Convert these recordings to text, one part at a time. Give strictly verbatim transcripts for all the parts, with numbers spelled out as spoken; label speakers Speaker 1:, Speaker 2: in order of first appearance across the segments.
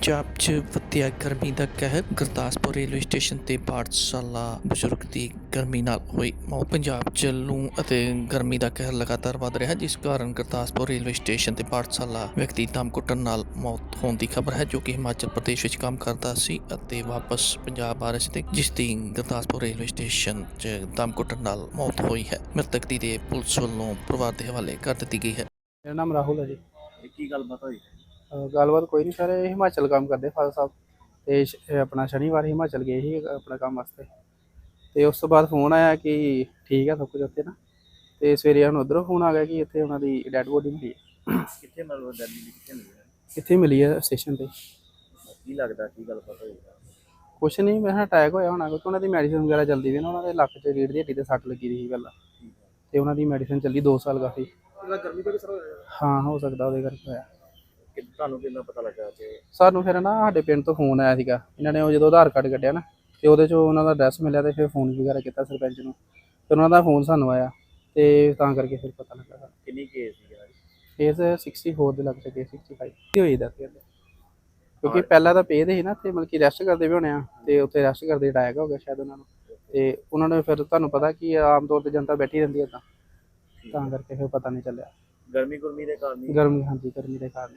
Speaker 1: ਪੰਜਾਬ 'ਚ ਵਧਿਆ ਗਰਮੀ ਦਾ ਕਹਿਰ। ਗੁਰਦਾਸਪੁਰ ਰੇਲਵੇ ਸਟੇਸ਼ਨ ਤੇ ਪਾਠਸ਼ਾਲਾ ਬਜ਼ੁਰਗ ਦੀ ਗਰਮੀ ਨਾਲ ਹੋਈ ਮੌਤ। ਪੰਜਾਬ 'ਚ ਲੂ ਅਤੇ ਗਰਮੀ ਦਾ ਕਹਿਰ ਲਗਾਤਾਰ ਵੱਧ ਰਿਹਾ, ਜਿਸ ਕਾਰਨ ਗੁਰਦਾਸਪੁਰ ਰੇਲਵੇ ਸਟੇਸ਼ਨ ਤੇ ਪਾਠਸ਼ਾਲਾ ਵਿਅਕਤੀ ਦਮ ਘੁੱਟਣ ਨਾਲ ਮੌਤ ਹੋਣ ਦੀ ਖਬਰ ਹੈ, ਜੋ ਕਿ ਹਿਮਾਚਲ ਪ੍ਰਦੇਸ਼ ਵਿੱਚ ਕੰਮ ਕਰਦਾ ਸੀ ਅਤੇ ਵਾਪਸ ਪੰਜਾਬ ਆ ਰਿਹਾ ਸੀ, ਤੇ ਜਿਸ ਦੀ ਗੁਰਦਾਸਪੁਰ ਰੇਲਵੇ ਸਟੇਸ਼ਨ 'ਚ ਦਮ ਘੁੱਟਣ ਨਾਲ ਮੌਤ ਹੋਈ ਹੈ। ਮ੍ਰਿਤਕ ਦੀ ਦੇਹ ਪੁਲਿਸ ਵੱਲੋਂ ਪਰਿਵਾਰ ਦੇ ਹਵਾਲੇ ਕਰ ਦਿੱਤੀ ਗਈ ਹੈ।
Speaker 2: ਮੇਰਾ ਨਾਮ ਰਾਹੁਲ ਹੈ ਜੀ।
Speaker 3: ਇਹ ਕੀ ਗੱਲਬਾਤ ਹੋਈ?
Speaker 2: ਅਹ ਗੱਲਬਾਤ ਕੋਈ ਨਹੀਂ ਸਰ, ਇਹ ਹਿਮਾਚਲ ਕੰਮ ਕਰਦੇ ਫਾਦਰ ਸਾਹਿਬ, ਤੇ ਸ਼- ਇਹ ਆਪਣਾ ਸ਼ਨੀਵਾਰ ਹਿਮਾਚਲ ਗਏ ਸੀ ਆਪਣਾ ਕੰਮ ਵਾਸਤੇ। ਤੇ ਉਸ ਤੋਂ ਬਾਅਦ ਫੋਨ ਆਇਆ ਕਿ ਠੀਕ ਹੈ ਸਭ ਕੁਝ ਉੱਥੇ ਨਾ, ਤੇ ਸਵੇਰੇ ਸਾਨੂੰ ਉੱਧਰੋਂ ਫੋਨ ਆ ਗਿਆ ਕਿ ਇੱਥੇ ਉਹਨਾਂ ਦੀ ਡੈਡ ਬੋਡੀ ਮਿਲੀ ਹੈ।
Speaker 3: ਕਿੱਥੇ ਮਤਲਬ ਦਿੱਲੀ ਦੀ ਕਿੱਥੇ ਮਿਲੀ ਹੈ?
Speaker 2: ਕਿੱਥੇ ਮਿਲੀ ਹੈ? ਸਟੇਸ਼ਨ ਤੇ।
Speaker 3: ਕੀ ਲੱਗਦਾ ਕੀ ਗੱਲਬਾਤ ਹੋਈ?
Speaker 2: ਕੁਛ ਨਹੀਂ, ਮੈਂ ਕਿਹਾ ਅਟੈਕ ਹੋਇਆ ਹੋਣਾ, ਕਿਉਂਕਿ ਉਹਨਾਂ ਦੀ ਮੈਡੀਸਿਨ ਵਗੈਰਾ ਚੱਲਦੀ ਵੀ ਨਾ, ਉਹਨਾਂ ਦੇ ਲੱਕ 'ਚ ਰੀੜ੍ਹ ਦੀ ਹੱਡੀ ਤੇ ਸੱਟ ਲੱਗੀ ਰਹੀ ਸੀ ਪਹਿਲਾਂ, ਤੇ ਉਹਨਾਂ ਦੀ ਮੈਡੀਸਿਨ ਚੱਲੀ ਦੋ ਸਾਲ ਕਾਫੀ।
Speaker 3: ਗਰਮੀ ਤੋਂ ਕਿਸ ਤਰ੍ਹਾਂ ਹੋਇਆ?
Speaker 2: ਹਾਂ, ਹੋ ਸਕਦਾ ਉਹਦੇ ਕਰਕੇ ਹੋਇਆ।
Speaker 3: ਕਿ ਤੁਹਾਨੂੰ ਕਿੰਨਾ ਪਤਾ ਲੱਗਾ ਕਿ
Speaker 2: ਸਾਨੂੰ ਫਿਰ ਨਾ ਸਾਡੇ ਪਿੰਡ ਤੋਂ ਫੋਨ ਆਇਆ ਸੀਗਾ, ਇਹਨਾਂ ਨੇ ਉਹ ਜਦੋਂ ਆਧਾਰ ਕਾਰਡ ਕੱਢਿਆ ਨਾ, ਤੇ ਉਹਦੇ 'ਚੋਂ ਉਹਨਾਂ ਦਾ ਐਡਰੈਸ ਮਿਲਿਆ, ਤੇ ਫਿਰ ਫੋਨ ਵਗੈਰਾ ਕੀਤਾ ਸਰਪੰਚ ਨੂੰ, ਫਿਰ ਉਹਨਾਂ ਦਾ ਫੋਨ ਸਾਨੂੰ ਆਇਆ, ਤੇ ਤਾਂ ਕਰਕੇ ਫਿਰ ਪਤਾ ਲੱਗਾ ਸਾਨੂੰ।
Speaker 3: ਕਿੰਨੀ ਕੇਸ ਸੀ ਯਾਰ?
Speaker 2: ਕੇਸ ਸਿਕਸਟੀ ਫੋਰ ਦੇ ਲੱਗ ਸਕੇ, ਸਿਕਸਟੀ ਫਾਈਵ ਦੀ ਹੋਈ ਦੱਸ ਕਹਿੰਦੇ, ਕਿਉਂਕਿ ਪਹਿਲਾਂ ਤਾਂ ਪੇਦ ਸੀ ਨਾ, ਤੇ ਮਤਲਬ ਕਿ ਰੈਸਟ ਕਰਦੇ ਵੀ ਹੋਣੇ ਆ, ਤੇ ਉੱਥੇ ਰੈਸਟ ਕਰਦੇ ਅਟੈਕ ਹੋ ਗਿਆ ਸ਼ਾਇਦ ਉਹਨਾਂ ਨੂੰ, ਤੇ ਉਹਨਾਂ ਨੇ ਫਿਰ ਤੁਹਾਨੂੰ ਪਤਾ ਕਿ ਆਮ ਤੌਰ ਤੇ ਜਨਤਾ ਬੈਠੀ ਰਹਿੰਦੀ ਹੈ, ਤਾਂ ਤਾਂ ਕਰਕੇ ਫਿਰ ਪਤਾ ਨਹੀਂ ਚੱਲਿਆ।
Speaker 3: ਗਰਮੀ ਗੁਰਮੀ ਦੇ ਕਾਰਨ ਹੀ?
Speaker 2: ਗਰਮੀ, ਹਾਂਜੀ ਗਰਮੀ ਦੇ ਕਾਰਨ।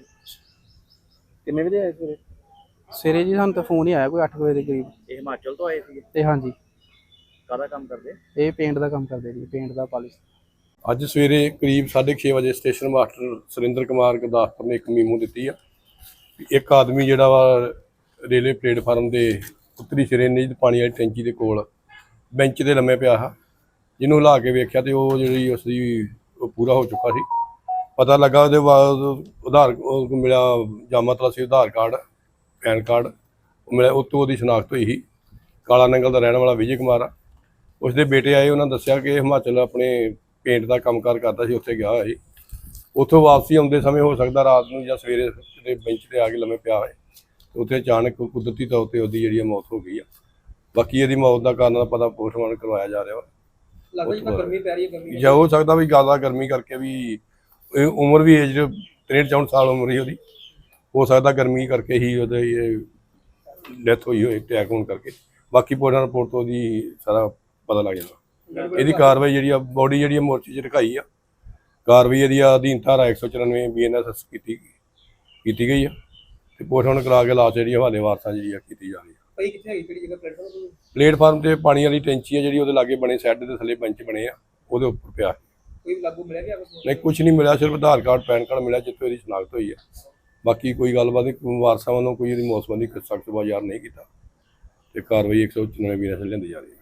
Speaker 3: ਕਿੰਨੇ ਵਜੇ ਆਏ ਸਵੇਰੇ?
Speaker 2: ਸਵੇਰੇ ਜੀ ਸਾਨੂੰ ਤਾਂ ਫੋਨ ਹੀ ਆਇਆ ਕੋਈ ਅੱਠ ਵਜੇ ਦੇ ਕਰੀਬ।
Speaker 3: ਇਹ ਹਿਮਾਚਲ ਤੋਂ ਆਏ ਸੀਗੇ?
Speaker 2: ਤੇ ਹਾਂਜੀ,
Speaker 3: ਕਾਹਦਾ ਕੰਮ ਕਰਦੇ?
Speaker 2: ਇਹ ਪੇਂਟ ਦਾ ਕੰਮ ਕਰਦੇ ਜੀ, ਪੇਂਟ ਦਾ ਪਾਲਿਸ਼।
Speaker 4: ਅੱਜ ਸਵੇਰੇ ਕਰੀਬ ਸਾਢੇ ਛੇ ਵਜੇ ਸਟੇਸ਼ਨ ਮਾਸਟਰ ਸੁਰਿੰਦਰ ਕੁਮਾਰ ਗੁਰਦਾਸਪੁਰ ਨੇ ਇੱਕ ਮੀਮੋ ਦਿੱਤੀ ਆ ਵੀ ਇੱਕ ਆਦਮੀ ਜਿਹੜਾ ਵਾ ਰੇਲਵੇ ਪਲੇਟਫਾਰਮ ਦੇ ਉੱਤਰੀ ਸਿਰੇ ਨਿੱਜ ਪਾਣੀ ਵਾਲੀ ਟੈਂਕੀ ਦੇ ਕੋਲ ਬੈਂਚ 'ਤੇ ਲੰਮੇ ਪਿਆ ਆ, ਜਿਹਨੂੰ ਹਿਲਾ ਕੇ ਵੇਖਿਆ ਤੇ ਉਹ ਜਿਹੜੀ ਉਸ ਦੀ ਉਹ ਪੂਰਾ ਹੋ ਚੁੱਕਾ ਸੀ। ਪਤਾ ਲੱਗਾ ਉਹਦੇ ਬਾਅਦ ਆਧਾਰ ਉਹ ਮਿਲਿਆ, ਜਾਮਾ ਤਲਾਸੀ ਆਧਾਰ ਕਾਰਡ, ਪੈਨ ਕਾਰਡ ਉਹ ਮਿਲਿਆ, ਉਹ ਤੋਂ ਉਹਦੀ ਸ਼ਨਾਖਤ ਹੋਈ ਸੀ। ਕਾਲਾ ਨੰਗਲ ਦਾ ਰਹਿਣ ਵਾਲਾ ਵਿਜੇ ਕੁਮਾਰ ਆ। ਉਸਦੇ ਬੇਟੇ ਆਏ, ਉਹਨਾਂ ਦੱਸਿਆ ਕਿ ਹਿਮਾਚਲ ਆਪਣੇ ਪੇਂਟ ਦਾ ਕੰਮਕਾਰ ਕਰਦਾ ਸੀ, ਉੱਥੇ ਗਿਆ ਹੋਇਆ ਸੀ। ਉੱਥੋਂ ਵਾਪਸੀ ਆਉਂਦੇ ਸਮੇਂ ਹੋ ਸਕਦਾ ਰਾਤ ਨੂੰ ਜਾਂ ਸਵੇਰੇ ਦੇ ਬੈਂਚ 'ਤੇ ਆ ਕੇ ਲੰਮੇ ਪਿਆ ਹੋਏ, ਉੱਥੇ ਅਚਾਨਕ ਕੁਦਰਤੀ ਤੌਰ 'ਤੇ ਉਹਦੀ ਜਿਹੜੀ ਮੌਤ ਹੋ ਗਈ ਆ। ਬਾਕੀ ਇਹਦੀ ਮੌਤ ਦਾ ਕਾਰਨ ਦਾ ਪਤਾ ਪੋਸਟਮਾਰਟਮ ਕਰਵਾਇਆ ਜਾ ਰਿਹਾ ਵਾ।
Speaker 3: ਗਰਮੀ ਪੈ ਰਹੀ ਹੈ? ਗਰਮੀ
Speaker 4: ਜਾਂ ਹੋ ਸਕਦਾ ਵੀ ਜ਼ਿਆਦਾ ਗਰਮੀ ਕਰਕੇ ਵੀ, ਇਹ ਉਮਰ ਵੀ ਏਜ ਤ੍ਰੇਹਠ ਚੌਂਹਠ ਸਾਲ ਉਮਰ ਹੀ ਉਹਦੀ, ਹੋ ਸਕਦਾ ਗਰਮੀ ਕਰਕੇ ਹੀ ਉਹਦੇ ਇਹ ਡੈਥ ਹੋਈ ਹੋਏ, ਅਟੈਕ ਹੋਣ ਕਰਕੇ। ਬਾਕੀ ਪੋਸਟਮਾਰਟਮ ਰਿਪੋਰਟ ਤੋਂ ਉਹਦੀ ਸਾਰਾ ਪਤਾ ਲੱਗ ਜਾਣਾ। ਇਹਦੀ ਕਾਰਵਾਈ ਜਿਹੜੀ ਆ, ਬੋਡੀ ਜਿਹੜੀ ਆ ਮੋਰਚੇ 'ਚ ਰਖਾਈ ਆ, ਕਾਰਵਾਈ ਇਹਦੀ ਅਧੀਨ ਧਾਰਾ ਇੱਕ ਸੌ ਚੁਰਾਨਵੇਂ ਬੀ ਐਨ ਐਸ ਐਸ ਕੀਤੀ ਕੀਤੀ ਗਈ ਆ, ਤੇ ਪੋਸਟਮਾਰਟਮ ਕਰਾ ਕੇ ਲਾਸ਼ ਜਿਹੜੀ ਹਵਾਲੇ ਵਾਰਸਾਂ ਜਿਹੜੀ ਆ ਕੀਤੀ ਜਾ ਰਹੀ ਆ।
Speaker 3: ਭਾਈ ਕਿੱਥੇ ਹੈਗੀ ਕਿਹੜੀ ਜਗ੍ਹਾ? ਪਲੇਟਫਾਰਮ
Speaker 4: ਪਲੇਟਫਾਰਮ ਤੇ ਪਾਣੀ ਵਾਲੀ ਟੈਂਕੀ ਆ ਜਿਹੜੀ ਉਹਦੇ ਲਾਗੇ ਬਣੇ, ਸੈੱਡ ਦੇ ਥੱਲੇ ਬੈਂਚ ਬਣੇ ਆ, ਉਹਦੇ ਉੱਪਰ ਪਿਆ।
Speaker 3: ਕੋਈ ਲਾਗੂ ਮਿਲਿਆ ਗਿਆ?
Speaker 4: ਨਹੀਂ, ਕੁਝ ਨਹੀਂ ਮਿਲਿਆ, ਸਿਰਫ ਆਧਾਰ ਕਾਰਡ ਪੈਨ ਕਾਰਡ ਮਿਲਿਆ ਜਿੱਥੇ ਇਹਦੀ ਸ਼ਨਾਖਤ ਹੋਈ ਹੈ। ਬਾਕੀ ਕੋਈ ਗੱਲਬਾਤ ਨਹੀਂ, ਵਾਰਸਾਂ ਵੱਲੋਂ ਕੋਈ ਇਹਦੀ ਮੌਤ ਸੰਬੰਧੀ ਸਖਤ ਬਾਜ਼ਾਰ ਨਹੀਂ ਕੀਤਾ, ਤੇ ਕਾਰਵਾਈ ਇੱਕ ਸੌ ਚੁਰਾਨਵੇਂ ਬੀ ਐਨ ਐਸ ਐਸ ਲਿਆਂਦੀ ਜਾ ਰਹੀ ਹੈ।